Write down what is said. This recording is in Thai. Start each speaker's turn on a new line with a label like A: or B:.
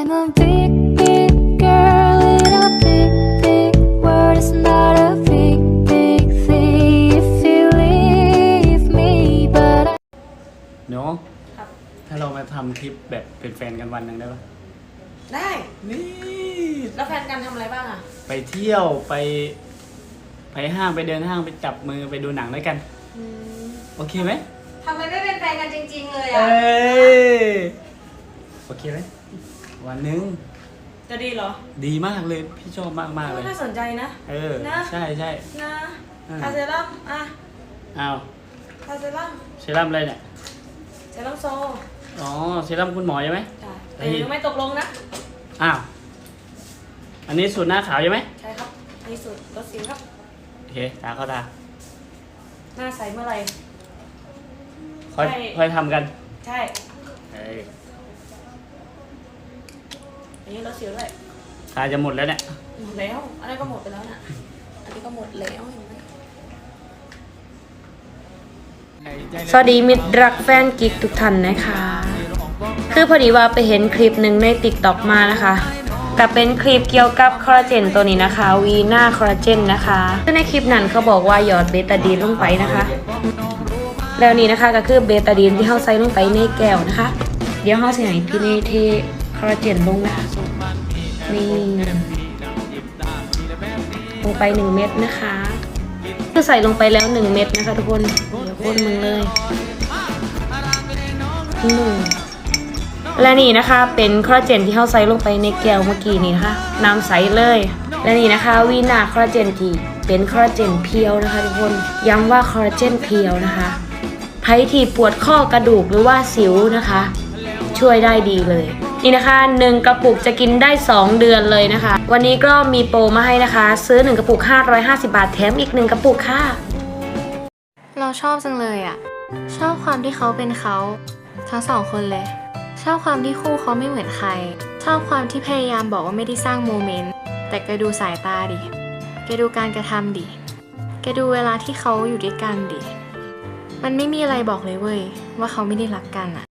A: I'm a big, big girl in a big, big world. It's not a big, big thing if you leave me, but I
B: เนาะ
C: ครับ
B: ถ้าเรามาทำคลิปแบบเป็นแฟนกันวันหนึ่งได้ปะ
C: ได้
B: นี่
C: แล้วแฟนกันทำอะไรบ้างอ่ะ
B: ไปเที่ยวไปห้างไปเดินห้างไปจับมือไปดูหนังด้วยกัน โอเคไหม
C: ทำไมไม่เป็นแฟนกันจริงๆเลย
B: เอ
C: อ่ะ
B: ยโอเคไหมวันหนึง
C: จะดีเหรอ
B: ดีมากเลยพี่ชอบมากมากๆเลย
C: น่าสนใจนะ
B: เออ
C: นะ
B: ใช่ใช่
C: นะ
B: อ่า
C: คาเซรั่มอ่ะ
B: อ้าว
C: คาเซรั่ม
B: เซรั่มอะไรเนี่ย
C: เซรั่มโซ
B: อ๋อเซรั่มคุณหมอใช่ไหม
C: ใช่
B: เฮ้
C: แต่
B: ย
C: ยังไม่ตกลงนะ
B: อ้าวอันนี้สูตรหน้าขาวใช่ไหม
C: ใช่ครับนี่สุดลดสิวครับ
B: โอเคตาเข้าตา
C: หน้าใสเมื่อไหร่
B: ค่อย
C: ใช่
B: ค่อยทำกัน
C: ใช่
B: เอ้ย
C: อันนี้ลดสิวด้วย
B: ตาจะหมดแล้วเนี่ย
C: หมดแล้ว อันนี้ก็หมดไปแล้วน่ะ อันนี้ก็หมดแล้วเห็นไหม
D: สวัสดีมิตรรักแฟนกิ๊กทุกท่านนะคะ คือพอดีว่าไปเห็นคลิปหนึ่งใน TikTok มานะคะแต่เป็นคลิปเกี่ยวกับคอลลาเจนตัวนี้นะคะวีน่าคอลลาเจนนะคะซึ่งในคลิปนั้นเขาบอกว่าหยอดเบตาดีนลงไปนะคะ แล้วนี่นะคะก็คือเบตาดีนที่เขาใส่ลงไปในแก้วนะคะ เดี๋ยวเขาจะให้พี่เนเทคอลลาเจนลงนะคะนี่ลงไป1 เม็ดนะคะคือใส่ลงไปแล้ว1 เม็ดนะคะทุกคนเดี๋ยวคนมึงเลยและนี่นะคะเป็นคอลลาเจนที่เขาใส่ลงไปในแก้วเมื่อกี้นี้นะคะน้ำใสเลยและนี่นะคะวีน่าคอลลาเจนที่เป็นคอลลาเจนเพียวนะคะทุกคนย้ำว่าคอลลาเจนเพียวนะคะใครที่ปวดข้อกระดูกหรือว่าสิวนะคะ ช่วยได้ดีเลยนี่นะคะ1 กระปุกจะกินได้2 เดือนเลยนะคะ วันนี้ก็มีโปรมาให้นะคะ ซื้อ1 กระปุก550 บาทแถมอีก1 กระปุกค่ะ
E: เราชอบจังเลยอ่ะ ชอบความที่เขาเป็นเขาทั้งสองคนเลย ชอบความที่คู่เขาไม่เหมือนใคร ชอบความที่พยายามบอกว่าไม่ได้สร้างโมเมนต์แต่แกดูสายตาดิแกดูการกระทำดิแกดูเวลาที่เขาอยู่ด้วยกันดิมันไม่มีอะไรบอกเลยเว้ยว่าเขาไม่ได้รักกันอ่ะ